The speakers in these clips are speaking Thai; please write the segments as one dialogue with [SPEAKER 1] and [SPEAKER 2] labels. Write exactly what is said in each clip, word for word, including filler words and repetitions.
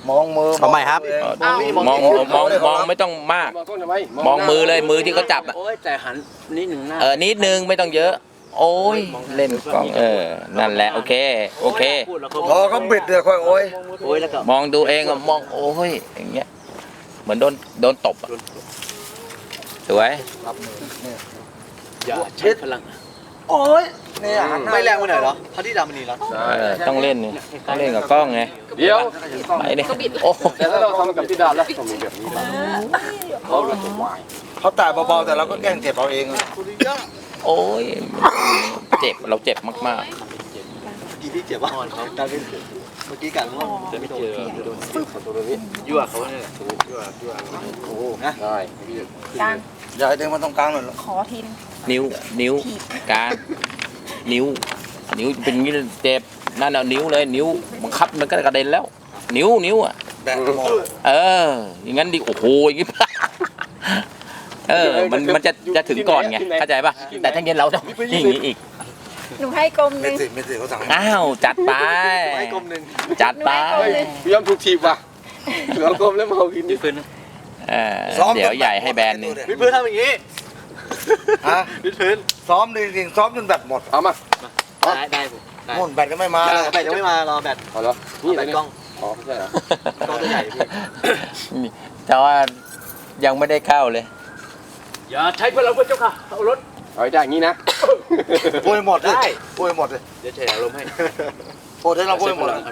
[SPEAKER 1] มองมือ
[SPEAKER 2] เอาใหม่ครับ
[SPEAKER 3] มองมองมองมองไม่ต้องมากมองมือเลยมือที่เขาจับอ่ะ
[SPEAKER 4] โอ้ยแต่หันนิดหนึ่งหน้า
[SPEAKER 3] เออนิดนึงไม่ต้องเยอะ โอ้ยเล่นกล้องเออนั่นแหละโอเคโอเค
[SPEAKER 1] พอเขาบิดเดี๋ยวค่อยโอ้ย
[SPEAKER 4] โอ้ยแล้วก็
[SPEAKER 3] มองดูเองอะมองโอ้ยอย่างเงี้ยเหมือนโดนโดนตบอะสวย
[SPEAKER 4] อย่าใช้พลัง
[SPEAKER 1] โอ้ยเนี่ย
[SPEAKER 4] ไม่แรงไปหน่อยเหรอพระที่ดำมันนี่เหรอ
[SPEAKER 3] เออต้องเล่นนี่ต้องเล่นกับกล้องไง
[SPEAKER 5] เดี๋ยว
[SPEAKER 3] ไปเนี่ยโอ้
[SPEAKER 5] แต่ถ้าเราทำกับพี่ดาแล้วต้องมีแบบนี้นะเขาเลยจะวาย
[SPEAKER 1] เขาแต่เบาๆแต่เราก็แกล้งเจ็บเอาเอง
[SPEAKER 3] โอ้ยเจ็บเราเจ็บมาก
[SPEAKER 4] กี่ที่เจ็บบ้างเขาการเล่นเมื่อกี้กันว่าจะไม่เจอโดนตัวนี้ยั่วเขาเนี่ยยั่วยั่วโอ้โหนะ
[SPEAKER 5] ได้
[SPEAKER 6] กลาง
[SPEAKER 1] อย่าให้เดินมาตรงกลางหน่อย
[SPEAKER 6] ขอทีน
[SPEAKER 3] ๆนิ้วนิ้วการนิ้ว นิ้วเป็นงี้เจ็บนั่นเอานิ้วเลยนิ้วบังคับมันก็กระเด็นแล้ว นิ้วนิ้วอ่ะ
[SPEAKER 1] แบกหมด
[SPEAKER 3] เอออย่างงั้นดิโอ้โหอย่างงี้ เออมันมันจะจะถึงก่อนไงเข้าใจป่ะแต่ถ้าเย็นเราต้องอย่างงี้อีก
[SPEAKER 6] หนูให้กลมห
[SPEAKER 1] ไม่
[SPEAKER 6] นึ่ง
[SPEAKER 1] ติดไม่ติดเขาสั่ง
[SPEAKER 3] อ้าวจัดไป
[SPEAKER 4] ไม้กลมหนึ่ง
[SPEAKER 3] จัดไป
[SPEAKER 5] พี่ยอมถูกทีบว่ะเหลือกลมแล้วเมากินนี่
[SPEAKER 4] พื้น
[SPEAKER 3] เออเดี๋ยวใหญ่ให้แบรนด์หนึง
[SPEAKER 4] วิดพื้นทำอย่างนี้
[SPEAKER 1] ฮะ
[SPEAKER 4] วิดพื้น
[SPEAKER 1] ซ้อมจริงๆซ้อมจนแบตหมด
[SPEAKER 5] เอามา
[SPEAKER 4] ได้ได้ผมได้
[SPEAKER 1] หมดแบตก็ไม่มาเลย
[SPEAKER 4] แบตยังไม่มารอแบต
[SPEAKER 5] เอาแล้วนี่
[SPEAKER 4] แบ
[SPEAKER 5] อะไร
[SPEAKER 4] ต
[SPEAKER 5] เนี่ย
[SPEAKER 4] กล้อง
[SPEAKER 5] อ๋อไม่ใช่เหรอก
[SPEAKER 4] ล้องตัวใหญ่พี่
[SPEAKER 3] นี่แต่ว่ายังไม่ได้เข้าเลย
[SPEAKER 4] อย่าใช้พลังพระเจ้าค่ะเอารถ
[SPEAKER 5] เอาได้อย่างนี้นะ
[SPEAKER 1] พูดให้หมดเลยพูดให้หมดเลย
[SPEAKER 4] เดี๋ยวใช้อารมณ์ให้
[SPEAKER 1] พูดให้เราพูดให้หมดเลย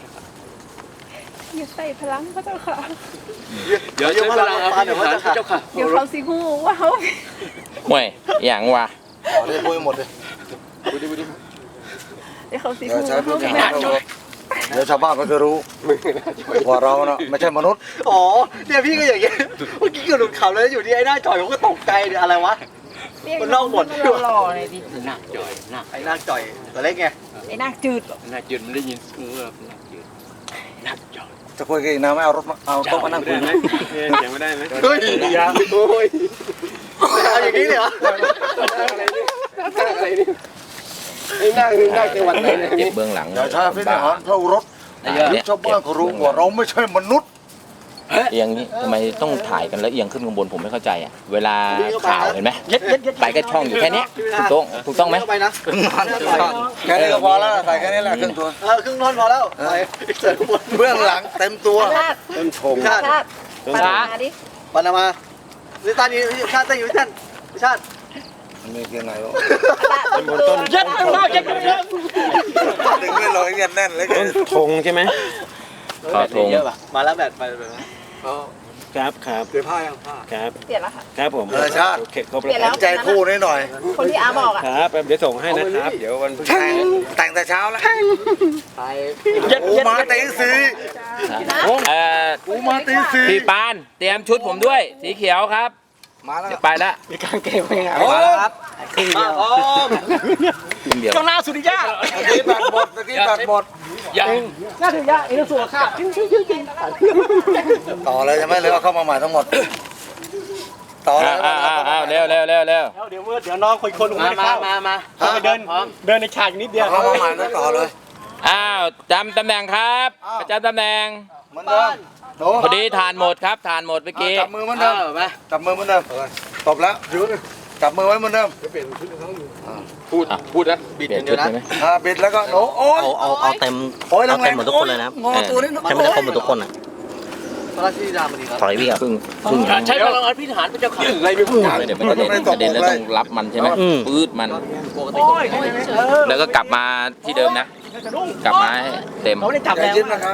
[SPEAKER 6] อย่าใส่พลังพระเจ้าค่ะ
[SPEAKER 4] เดี๋ยวใช้พลังพระเจ้าค่ะ
[SPEAKER 6] เดี๋ยวเขาสิหูว่าเขา
[SPEAKER 3] ห่วยอย่างวะ
[SPEAKER 1] พูดให้พูดให้หมดเลย
[SPEAKER 5] ดูดิดูดิ
[SPEAKER 6] เดี๋ยวเขาสิ
[SPEAKER 1] เดี๋ยว
[SPEAKER 6] หู
[SPEAKER 1] ใช้
[SPEAKER 6] ว่า
[SPEAKER 1] พู
[SPEAKER 6] เขา
[SPEAKER 1] ด
[SPEAKER 6] ไม่
[SPEAKER 1] ให้
[SPEAKER 6] ได้
[SPEAKER 1] หมดเดี๋ยวชาวบ้านเขาจะรู้
[SPEAKER 5] มึงน่าจะ
[SPEAKER 1] ว่าเราเนาะไม่ใช่มนุษย์
[SPEAKER 4] อ๋อเนี่ยพี่ก็อย่างเงี้ยเมื่อกี้ก็หลุดเขาแล้วอยู่ที่ไอ้หน้าจอยผมก็ตกใจเนี่ยอะไรวะ มันนอกหมด
[SPEAKER 6] หล่อเลยดิ
[SPEAKER 4] หน้าจอยหน้าไอ้หน้าจอยตัวเล็กไง
[SPEAKER 6] ไอ้หน้าจืด
[SPEAKER 4] หน้าจืดมันได้ยินเออหน้าจืดหน้าจอย
[SPEAKER 1] จะคุยกันอีกนะไม่เอารถมาเอาโต๊ะมานั่งคุยนะ
[SPEAKER 5] ยังไม่ได้ไหม
[SPEAKER 4] เฮ้ย
[SPEAKER 5] ยาโอ้ย
[SPEAKER 4] เอาอย่างนี้เลยเหรอ
[SPEAKER 5] อะไรนี่อะไรนี่ไอ้นั่งนั่งจังหวัดไหนเนี่ย
[SPEAKER 3] เจ็บเบื้องหลัง
[SPEAKER 1] อย่าใช้พิธีหารเท่ารถ
[SPEAKER 3] เนี่ย
[SPEAKER 1] ชาวบ้านเขารู้ว่าเราไม่ใช่มนุษย์
[SPEAKER 3] เอียงนี้ทำไมต้องถ่ายกันแล้วเอียงขึ้นข้างบนผมไม่เข้าใจอ่ะเวลาข่าวเห็นไหมไปก็ช่องอยู่แค่เนี้ยถูกต้องถูกต้องไหม
[SPEAKER 4] เข้าไปนะ
[SPEAKER 1] แค่นี้ก็พอแล้วใส่แค่นี้แหละครึ่งตัว
[SPEAKER 4] เออครึ่งนอนพอแล้วไปเสร็จข้างบน
[SPEAKER 1] เบื้องหลังเต็มตัว
[SPEAKER 6] ชาติ
[SPEAKER 5] ต้นชง
[SPEAKER 4] ชาติ
[SPEAKER 6] ชาติปานาดิ
[SPEAKER 4] ปานามาลิตานีชาติตั้งอยู่ท่านชาติ
[SPEAKER 1] ไม่เกี่ยวไหนหรอก
[SPEAKER 6] ต้น
[SPEAKER 4] ยัดข้างนอกยัดข้างนอก
[SPEAKER 1] ดึงไม่ลงเงียบแน่นเลย
[SPEAKER 5] ต้นชงใช่ไหม
[SPEAKER 3] ขอธง
[SPEAKER 4] เยอะป่ะมาแล้วแบบไปแบบ
[SPEAKER 5] ครับครับ
[SPEAKER 4] เปลี่ยนผ้ายังผ้า
[SPEAKER 5] ครับ
[SPEAKER 6] เปลี่ยนแล้วค่ะ
[SPEAKER 5] ครับผม
[SPEAKER 1] เออชาติ
[SPEAKER 5] โอเคครบ
[SPEAKER 6] เปลี่ยนแล้ว
[SPEAKER 1] ใจคู่นิดหน่อย
[SPEAKER 6] คนที่อาบอกอ่ะ
[SPEAKER 5] ครับเดี๋ยวส่งให้นะครับ เดี๋ยววันพฤหัส
[SPEAKER 1] แต่งแต่เช้าแล้ว
[SPEAKER 4] ไป
[SPEAKER 1] โอ้มาตีสี่
[SPEAKER 3] เอ่อ
[SPEAKER 1] โอ้มาตีสี่
[SPEAKER 3] พี่ปานเตรียมชุดผมด้วย สีเขียวครับ
[SPEAKER 1] มาแล้ว
[SPEAKER 3] เดี๋ยวไปละ
[SPEAKER 4] มีกางเกงไปไง
[SPEAKER 1] มาแล้วครับ
[SPEAKER 4] ครึ่งเดียวอ๋อ
[SPEAKER 3] ครึ่งเดียว
[SPEAKER 4] ข้างหน้าสุริยะ
[SPEAKER 1] ตะกี้แบตหมดตะกี้แบตหมด
[SPEAKER 3] ยัง
[SPEAKER 4] หน้าสุริยะเอ็นสัวค่ะจริงจริงจริง
[SPEAKER 1] ต่อเลยจะไม่เลยเอาเข้ามาใหม่ทั้งหมด ต่อเล
[SPEAKER 3] อ้าวย อ้าวอ้าวอ้าวเร็วเร็วเร็วเร็ว
[SPEAKER 4] เดี๋ยวเดี๋ยวน้องคนคนมามามามาไปเดินเดินในฉากนิดเดียว
[SPEAKER 1] เอาเข้ามาใหม่แล้วต่อเลย
[SPEAKER 3] อ้าวจำตำแหน่งครับประจำตำแหน่ง
[SPEAKER 1] เหมือนเดิมโด
[SPEAKER 3] พอดีทานหมดครับทานหมดเมื่อกี้
[SPEAKER 1] จับมือเหมือนเดิมจับมือเหมือนเดิมตบแล้วจับมือไว้เหมือนเดิม
[SPEAKER 5] พูดพูดนะ
[SPEAKER 3] เปลี่ยนชุดใช่ไหม
[SPEAKER 1] อ่าบิดแล้วก็โน้โอ้ย
[SPEAKER 2] เอาเอาเอาเต็ม
[SPEAKER 1] โอ้ย
[SPEAKER 2] เอา
[SPEAKER 1] แร
[SPEAKER 2] เต็ม
[SPEAKER 1] ง
[SPEAKER 2] หมด
[SPEAKER 1] ๆ
[SPEAKER 2] ทุกคนเลยนะครับ
[SPEAKER 1] งอตัวนี้
[SPEAKER 2] ให้มันได้ครบหมดทุกคนอ่ะ
[SPEAKER 4] พระราชธิดามันดีครับ
[SPEAKER 2] ถอยวิ่งอ่ะ
[SPEAKER 3] เพึ่งเพึ่ง
[SPEAKER 4] ใช้พลังอภิหารพระเจ้าค่ะ
[SPEAKER 5] อะไรไม่พูด
[SPEAKER 3] เดี๋ยวมันกระเด็นกระเด็นแล้วต้องรับมันใช่ไหมปื๊ดมัน
[SPEAKER 4] ปกติ
[SPEAKER 3] แล้วก็กลับมาที่เดิมนะ กลับมาให้เต็ม
[SPEAKER 4] เขาได้จับ
[SPEAKER 1] ใจ
[SPEAKER 4] แล้ว
[SPEAKER 1] เย็นนะครับ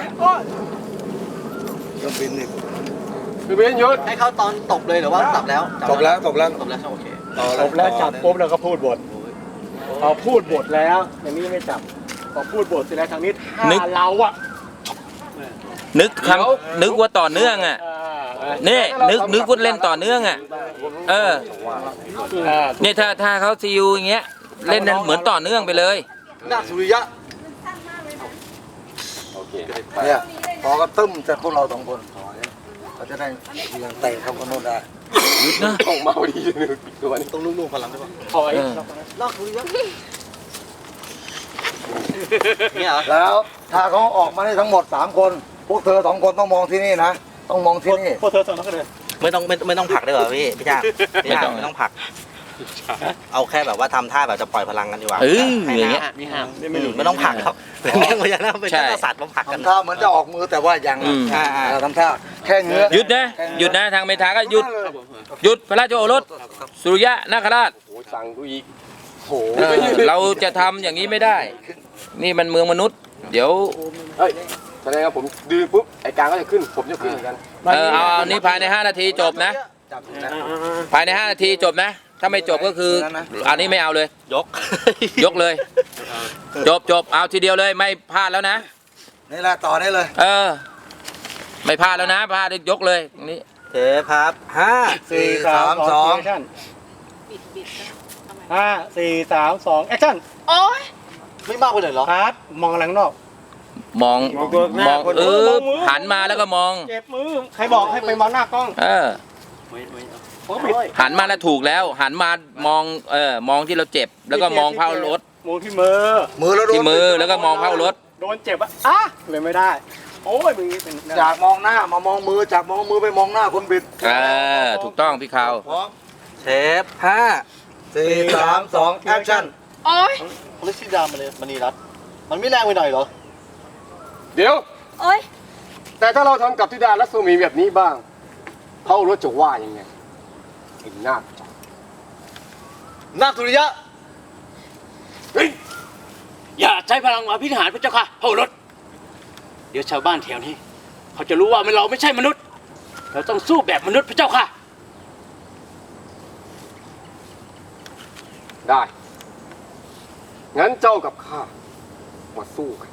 [SPEAKER 1] เครื่องบินนี่
[SPEAKER 5] คือเป็นยุทธ
[SPEAKER 4] ให้เขาตอนตบเลยหรือว่าตับแล้ว
[SPEAKER 1] ตบแล้วตบแล้ว
[SPEAKER 4] ตบแล้วโอเค
[SPEAKER 1] ต่อ
[SPEAKER 7] จบแล้วจับปุ๊บแล้วก็พูดบทพอพูดบทแล้วอย่างนี้ไม่จับพอพูดบทเสร็จแล้วทางนี้ถ้าเราอ่ะ
[SPEAKER 3] นึกคำนึกว่าต่อเนื่องอ่ะ นี่นึกนึกว่าเล่นต่อเนื่องอ่ะ เออ เนี่ยถ้าถ้าเขาซีอูอย่างเงี้ย เล่นนั้นเหมือนต่อเนื่องไปเลย
[SPEAKER 4] หน้าสุริยะ
[SPEAKER 5] โอเค
[SPEAKER 1] เนี่ยพอก็ตึ้มจากพวกเราสองคนเขาจะได้เลี้ยงเตะเข้าคนโน้นได้
[SPEAKER 3] หยุดนะ
[SPEAKER 5] ของเมาดีเลยตัวนี้
[SPEAKER 4] ต้องลูกๆพลังได้ป่ะ
[SPEAKER 7] ถอย
[SPEAKER 3] เออ
[SPEAKER 4] ลอกสุริยะเนี่ยเหรอ
[SPEAKER 1] แล้วถ้าเขาออกมาได้ทั้งหมดสามคนพวกเธอสองคนต้องมองที่นี่นะต้องมองที่นี่
[SPEAKER 7] พวกเธอสองคนเลย
[SPEAKER 4] ไม่ต้องไม่ไม่ต้องผลักได้เหรอพี่พี่จ้าพี่จ้า
[SPEAKER 3] ไม่ต้อง
[SPEAKER 4] ไม่ต้องผลัก เอาแค่แบบว่าทำท่าแบบจะปล่อยพลังกันดีกว่า
[SPEAKER 3] เอออย่างเงี้ย
[SPEAKER 4] ไม่ห้ามไม่ต้องผลักครับเป็นเรื่องพญานาคเป็น
[SPEAKER 3] ใช่
[SPEAKER 4] แค่สัตว์มาผลักกัน
[SPEAKER 1] ทำท่าเหมือนจะออกมือแต่ว่ายัง
[SPEAKER 3] อืม
[SPEAKER 1] อ่าอ่าทำท่าแค่เงื้อ
[SPEAKER 3] หยุดนะหยุดนะทางเมธาก็หยุดหยุดพระราชโอรสสุริยะนาคราช
[SPEAKER 5] โอ้สั่งกูอีกโห
[SPEAKER 3] เออเราจะทำอย่างนี้ไม่ได้ นี่มันเมืองมนุษย์ เดี๋ยว
[SPEAKER 5] เฮ้ยแสดงว่าผมดื้อปุ๊บไอ้กลางก็จะขึ้นผมจะขึ้นเหมือนกัน
[SPEAKER 3] เออเอาเอานี่ภายในห้านาทีจบนะ
[SPEAKER 1] จับอยู่นะ
[SPEAKER 3] ภายในห้านาทีจบนะ ถ้าไม่จบก็คือ อันนี้ไม่เอาเลย
[SPEAKER 4] ยก
[SPEAKER 3] ยกเลย จบจบเอาทีเดียวเลยไม่พลาดแล้วนะ
[SPEAKER 1] นี่แหละต่อได้เลย
[SPEAKER 3] เออ ไม่พลาดแล้วนะพลาดยกเลยนี่
[SPEAKER 4] เทปครับห้า
[SPEAKER 1] สี่สามสอง
[SPEAKER 7] แอคชั่นห้าสี่สามสองแอคชั่น
[SPEAKER 6] โอ๊ย
[SPEAKER 4] ไม่มากไปเลยเหรอ
[SPEAKER 7] คัดมองอะไรข้างนอก
[SPEAKER 3] มองมองเออหันมาแล้วก็มอง
[SPEAKER 7] เจ็บมือใครบอกให้ไปมองหน้ากล้อง
[SPEAKER 3] เออ
[SPEAKER 7] ผมปิด
[SPEAKER 3] หันมาแล้วถูกแล้ว หันมามองเออมองที่เราเจ็บ แล้วก็มองเผารถ
[SPEAKER 7] มองที่มือ
[SPEAKER 1] มือแล้วโดน
[SPEAKER 3] ที่มือแล้วก็มองเผารถ
[SPEAKER 7] โดนเจ็บอ่ะอ่ะเลยไม่ได้ โอ้ยมึงนี่เป็น
[SPEAKER 1] จากมองหน้ามามองมือจากมองมือไปมองหน้าคนบิด
[SPEAKER 3] เออถูกต้องพี่ขาว
[SPEAKER 1] พร้อม
[SPEAKER 4] เทปห้า
[SPEAKER 1] สี่สามสองแอคชั่น
[SPEAKER 6] โอ๊ย
[SPEAKER 4] ลิซิดามันเลยมณีรัตมันไม่แรงไปหน่อยเหรอ
[SPEAKER 5] เดี๋ยว
[SPEAKER 6] โอ๊ย
[SPEAKER 5] แต่ถ้าเราทำกับธิดาลักษมีแบบนี้บ้างเขารู้จะว่ายังไงไอ้นาคนาคสุริยะ
[SPEAKER 2] อย่าใช้พลังอภินิหารพระเจ้าค่ะพระโอรสเดี๋ยวชาวบ้านแถวนี้ เขาจะรู้ว่าเราไม่ใช่มนุษย์ เราต้องสู้แบบมนุษย์พระเจ้าค่ะ
[SPEAKER 5] ได้ งั้นเจ้ากับข้ามาสู้กัน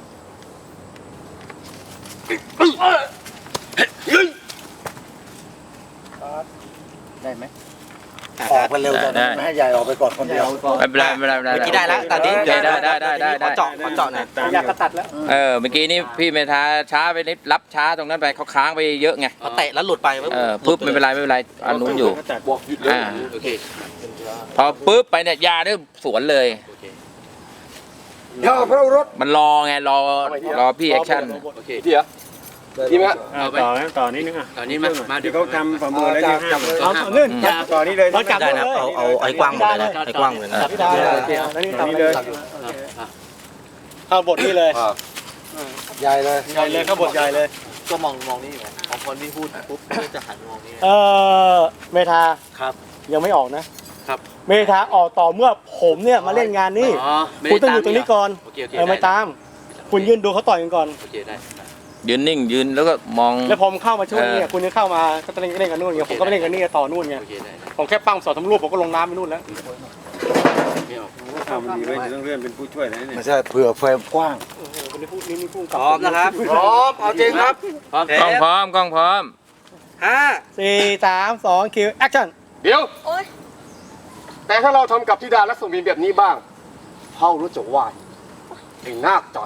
[SPEAKER 7] ได้ไหม
[SPEAKER 1] ออกไปเร็วแต่
[SPEAKER 3] ได้
[SPEAKER 1] ไม่ให้ใหญ่ออกไปก่อนคนเดียว
[SPEAKER 3] ไม่เป็นไรไม่เป็นไรไม่เป็นไร
[SPEAKER 4] เมื่อกี้ได้แล้วตอนนี้
[SPEAKER 3] ได้ได้ได้ได้ได้
[SPEAKER 4] ขอเจาะขอเจาะหน่อย
[SPEAKER 7] อยากกระตัดแล้ว
[SPEAKER 3] เออเมื่อกี้นี่พี่เมธาช้าไปนิดรับช้าตรงนั้นไปเขาค้างไปเยอะไง
[SPEAKER 4] พอเตะแล้วหลุดไป
[SPEAKER 3] เออปุ๊บไม่เป็นไรไม่เป็นไรอันนู้นอยู่
[SPEAKER 5] บอกหยุดเลย
[SPEAKER 3] อ่า
[SPEAKER 2] โอเค
[SPEAKER 3] พอปุ๊บไปเนี่ยยาเนี่ยสวนเลย
[SPEAKER 1] เดี๋ยวพระรถ
[SPEAKER 3] มันรอไงรอรอพี่แอคชั่น
[SPEAKER 2] โอเค
[SPEAKER 5] เดี๋ยวดีไหมฮะ
[SPEAKER 7] ต่อต่อนิดนึงอ่ะ
[SPEAKER 2] ตอนนี้มามา
[SPEAKER 7] ที่เขาทำประเมินแล้ว
[SPEAKER 1] จั
[SPEAKER 7] ที่
[SPEAKER 1] บจับเลย
[SPEAKER 7] เอาเนื่นต่อนี้เลยจับ
[SPEAKER 4] ได้นะเอาเอาไอ้กว้างหมดเลยนะไอ้กว้างเลยนะ
[SPEAKER 7] พี่ดาวแล้วนี่ต่อนี้เลยเข้าบทนี้เลย
[SPEAKER 1] ใหญ่เลย
[SPEAKER 7] ใหญ่เลยเข้าบทใหญ่เลย
[SPEAKER 4] ก็มองมองนี่ไงพอคนที่พูดปุ๊บจะหันมองนี่
[SPEAKER 7] เออเมธา
[SPEAKER 2] ครับ
[SPEAKER 7] ยังไม่ออกนะครับ เมธาออกต่อเมื่อผมเนี่ยมาเล่นงานนี่
[SPEAKER 2] อ๋อไม่
[SPEAKER 7] คุณ
[SPEAKER 2] ได้
[SPEAKER 7] ต้องอยู่ตรงนี้ก่อน
[SPEAKER 2] โอเคโอเค
[SPEAKER 7] เออไม่ตาม คุณยืนดูเขาต่อยกันก่อน
[SPEAKER 2] โอเคได้
[SPEAKER 3] ยืนนิ่งยืนแล้วก็มอง
[SPEAKER 7] แล้วผมเข้ามาช่วยเนี่ย
[SPEAKER 3] เออ
[SPEAKER 7] คุณยังเข้ามาก็จะเล่นเล่นกันนู่นไงผมก็ไปเล่นกันนี่ต่อนู่นไง
[SPEAKER 2] โอเคได้ได้
[SPEAKER 7] ผมแค่ปั้งสอดทำรูปผมก็ลงน้ำไปนู่นแล้ว
[SPEAKER 2] ไม่ออก
[SPEAKER 7] ทำดีเลยต้องเลื่อนเป็นผู้ช่วยนะเนี่ย
[SPEAKER 1] ไม่ใช่เผื่อเฟรมกว้าง
[SPEAKER 7] คนนี้พูดนี่นี่พูด
[SPEAKER 4] พร้อมนะครับ
[SPEAKER 1] พร้อมเอาจริงครับ
[SPEAKER 2] พร้อม
[SPEAKER 3] กล้องพร้อมกล้องพร้อม
[SPEAKER 4] ห้า
[SPEAKER 7] สี่สามสองคิวแอคชั่น
[SPEAKER 5] เดี๋ยว
[SPEAKER 6] โอ๊ย
[SPEAKER 5] แต่ถ้าเราทำกับธิดาลักษมีแบบนี้บ้างเขารู้จะว่าไอ้นาคจ่อย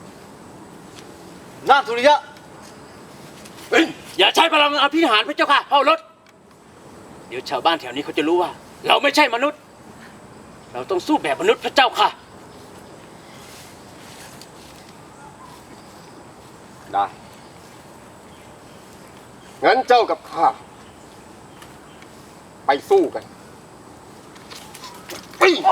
[SPEAKER 4] นาคสุริยะ
[SPEAKER 2] อย่าใช้พลังอภินิหารพระเจ้าค่ะพระโอรสเดี๋ยวชาวบ้านแถวนี้เขาจะรู้ว่า เราไม่ใช่มนุษย์ เราต้องสู้แบบมนุษย์พระเจ้าค่ะ
[SPEAKER 5] ได้ งั้นเจ้ากับข้าไปสู้กันเฮ้ย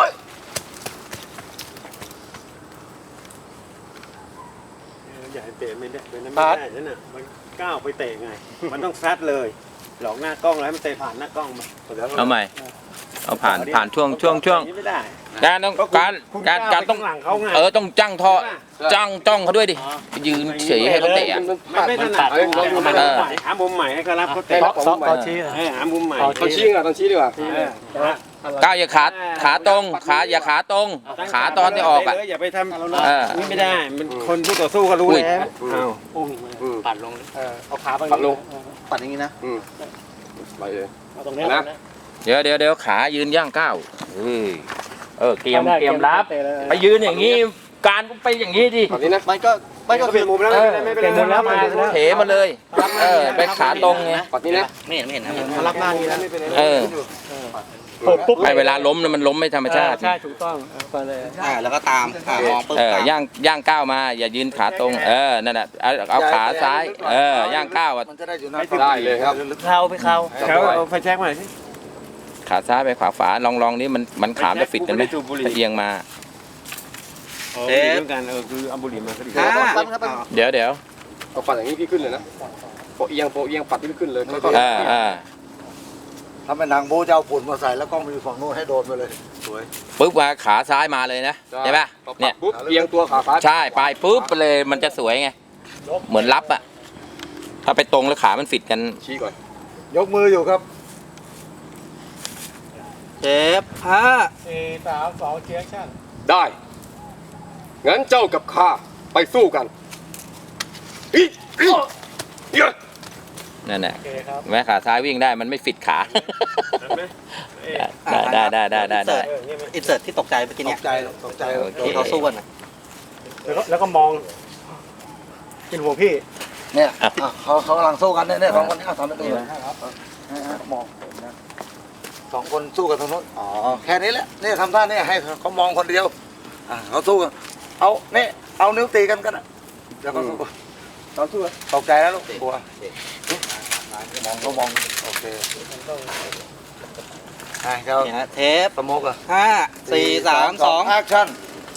[SPEAKER 8] อย่าให้เตะไม่ได้เป็นไม่ได้นั่นน่ะมันก้าวไปเตะไง มันต้องซัดเลย หลอกหน้ากล้องแล้วให้มันเตะผ่านหน้ากล้องมา
[SPEAKER 3] เอาใหม่เอาผ่านผ่านช่วงช่วงช่วง
[SPEAKER 8] ไม่ได้
[SPEAKER 3] การต้องการการการต้อง
[SPEAKER 8] หลังเขาไง
[SPEAKER 3] เออต้องจ้างท่อจ้างจ้องเขาด้วยดิไปยืนเฉยให้เขาเตะอะ
[SPEAKER 8] มันไม่ถนัด
[SPEAKER 5] เออลองดู
[SPEAKER 8] มัน
[SPEAKER 5] นะ
[SPEAKER 8] ต้องหามุมใหม่ให้เขารับเขาเตะ
[SPEAKER 7] ต่อต่อต่อชี้
[SPEAKER 8] เออหามุมใหม่
[SPEAKER 5] ตอนชี้อ่ะตอนชี้ดีกว่า
[SPEAKER 8] เออ
[SPEAKER 3] ก้าวอย่าขาขาตรงขาอย่าขาตรง ขาตอนที่ออกอ่ะ
[SPEAKER 8] เตเลยอย่าไปท
[SPEAKER 3] เออ
[SPEAKER 8] ำนี่ไม่ได้มันคนผู้ต่อสู้เขารู้
[SPEAKER 3] อุ้ย
[SPEAKER 8] แล้วอ้าว
[SPEAKER 2] ปัดลง
[SPEAKER 7] เออเอาขาไป
[SPEAKER 5] ปัดลง
[SPEAKER 4] ปัดอย่างนี้นะ
[SPEAKER 5] อืมไปเลย
[SPEAKER 7] เอาตรงนี้
[SPEAKER 5] นะ
[SPEAKER 3] เดี๋ยวเดี๋ยวเดี๋ยวขายืนย่างก้าวเฮ้ยเออเตรียมเตรียมรับ
[SPEAKER 7] เตะเลย
[SPEAKER 3] ไปยืนอย่างนี้การไปอย่างนี้ดิ
[SPEAKER 5] ตอนนี้นะ
[SPEAKER 4] มันก็ไม่ก็
[SPEAKER 5] เปลี่ยนมุมแล้วไม่เป็นไร
[SPEAKER 7] เปลี่ยนมุมแล้วมา
[SPEAKER 3] เถมาเลยเออไปขาตรงไง
[SPEAKER 5] ปัดนี้นะ
[SPEAKER 4] ไม่เห็นไม่เห็นนะ
[SPEAKER 7] มารับหน้านี้แล้ว
[SPEAKER 3] เออ
[SPEAKER 7] โผล่ปุ๊บ
[SPEAKER 3] ไอ้เวลาล้มเนี่ยมันล้มไม่ธรรมชาติ
[SPEAKER 7] ใช่ถูกต้องเอาไปเลย
[SPEAKER 4] อ่าแล้วก็ตามอ่ามองปุ๊บ
[SPEAKER 3] เออ
[SPEAKER 4] ตาม
[SPEAKER 3] ย่างย่างก้าวมา อย่ายืนขาตรง เออนั่นแหละเอาเอาขาซ้าย เออย่างก้าวอะ
[SPEAKER 1] มันจะได้อยู่หน้า
[SPEAKER 5] ได้เลยครับ
[SPEAKER 2] เข้าไปเข้า
[SPEAKER 8] เขาเอาไฟแช็กมาหน่อยสิ
[SPEAKER 3] ขาซ้ายไปขวาฝาลองลองนี้มันมันขามจะฟิตกันไหมถ้าเอียงมา
[SPEAKER 8] เทปกันเออคือเอาบุหรี่มาก็ดี
[SPEAKER 4] ห้า
[SPEAKER 3] เดี๋ยวเดี๋ยว
[SPEAKER 5] เอาปัดอย่างนี้พี่ขึ้นเลยนะโปะเอียงโปะเอียงปัดพี่ขึ้นเลยค่อย
[SPEAKER 3] เออเออ
[SPEAKER 1] ถ้าเป็นหนังโบจะเอาฝุ่นมาใส่แล้วกล้องไปอยู่ฝั่งโน้นให้โดนไปเลยสวย
[SPEAKER 3] ปุ๊บมาขาซ้ายมาเลยนะใช่ปะ
[SPEAKER 5] เนี่
[SPEAKER 3] เนี่ย ย
[SPEAKER 5] ปุ๊บเอียงตัวขาซ้าย
[SPEAKER 3] ใช่ไปปุ๊บไปเลยมันจะสวยไง เหมือนรับอะถ้าไปตรงแล้วขามันฟิตกัน
[SPEAKER 5] ชี้ก่อน
[SPEAKER 1] ยกมืออยู่ครับ
[SPEAKER 4] เทปห้า
[SPEAKER 7] สี่สามสองเชียร์ชั่น
[SPEAKER 5] ได้ งั้นเจ้ากับข้าไปสู้กันอีอีเยอะ
[SPEAKER 3] นั่นแหละ
[SPEAKER 7] โอเคครับ
[SPEAKER 3] แม้ขาซ้ายวิ่งได้มันไม่ฟิตขา ได้ได้ได้ได้ได้ได้
[SPEAKER 4] อินเสิร์ตที่ตกใจเมื่อกี้
[SPEAKER 1] ต
[SPEAKER 4] เนี่ย
[SPEAKER 1] กใจตกใจ
[SPEAKER 3] โอเค
[SPEAKER 4] ที่เขาสู้กันน่ะ
[SPEAKER 7] แล้วก็แล้วก็มองเป็นห่วงพี่
[SPEAKER 1] เนี่ยอ่ะเขาเขากำลังสู้กันเนี่ยเนี่ยสองคนนี้เอาทำไปตัวเลยมองนะสองคนสู้กันตรงนู้นอ๋อแค่นี้แหละเนี่ยทำท่าเนี่ยให้เขามองคนเดียวอ่ะเขาสู้กันเอาเนี่ยเอานิ้วตีกันกันอ่ะเดี๋ยวเขาสู้เขาสู้กันตกใจแล้วลูกกลัวมองเขามองโอเคอ่ะเขา
[SPEAKER 4] เนี่ยฮะเทป
[SPEAKER 1] สโมกอ่ะ
[SPEAKER 4] ห้าสี่สามสอง
[SPEAKER 1] แอคชั่น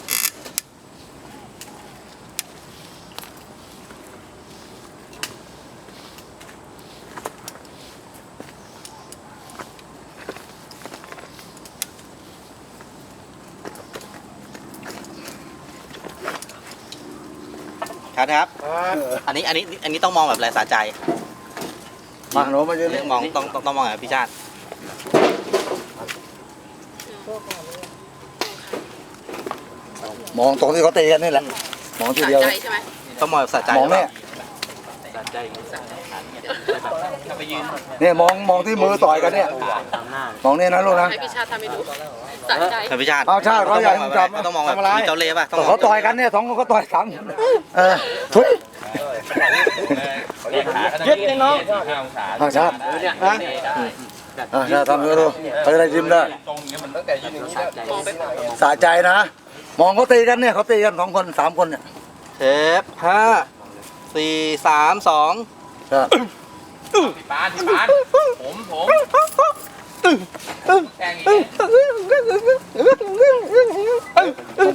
[SPEAKER 4] ครับครับ อันนี้อันนี้อันนี้ต้องมองแบบแรงสะใจ
[SPEAKER 1] มาหนูมายืน
[SPEAKER 4] เรื่
[SPEAKER 1] นี่
[SPEAKER 4] องมองต้องต้องต้องมองแบบพี่ชาติ
[SPEAKER 1] มองตรงที่เขาตีกันนี่แหละมองทีเดียว
[SPEAKER 6] ใจใช่ไหม
[SPEAKER 4] ต้องมองแบบสะใจ
[SPEAKER 1] มองเนี่ย เนี่ยมองมองที่มือต่อยกันเนี่ยมองนี่นะลูกนะ
[SPEAKER 6] ให้พี่ชาติทำให้ดูสะใจ
[SPEAKER 4] ครับพี่ชาติ
[SPEAKER 1] เอาชาติเขาอยากให้จับ
[SPEAKER 4] ต้องมองแบบ
[SPEAKER 1] ทำอะไร
[SPEAKER 4] มีเจ้าเล่ห์ป่ะต้อง
[SPEAKER 1] แต่
[SPEAKER 4] มอง
[SPEAKER 1] เขาต่อยกันเนี่ยสองคนเขาต่อยสามเออทุย
[SPEAKER 3] ยึดเลยน้อง
[SPEAKER 1] เอาชาตินะอ่าชาติทำให้ดูเขาจะได้ยิ้มได้สะใจนะมองเขาตีกันเนี่ยเขาตีกันสองคนสามคนเนี่ย
[SPEAKER 4] เทปห้าสี่สามสอง
[SPEAKER 1] ใช่
[SPEAKER 3] พี่ปานพี่ปานผมผมแข่งอีก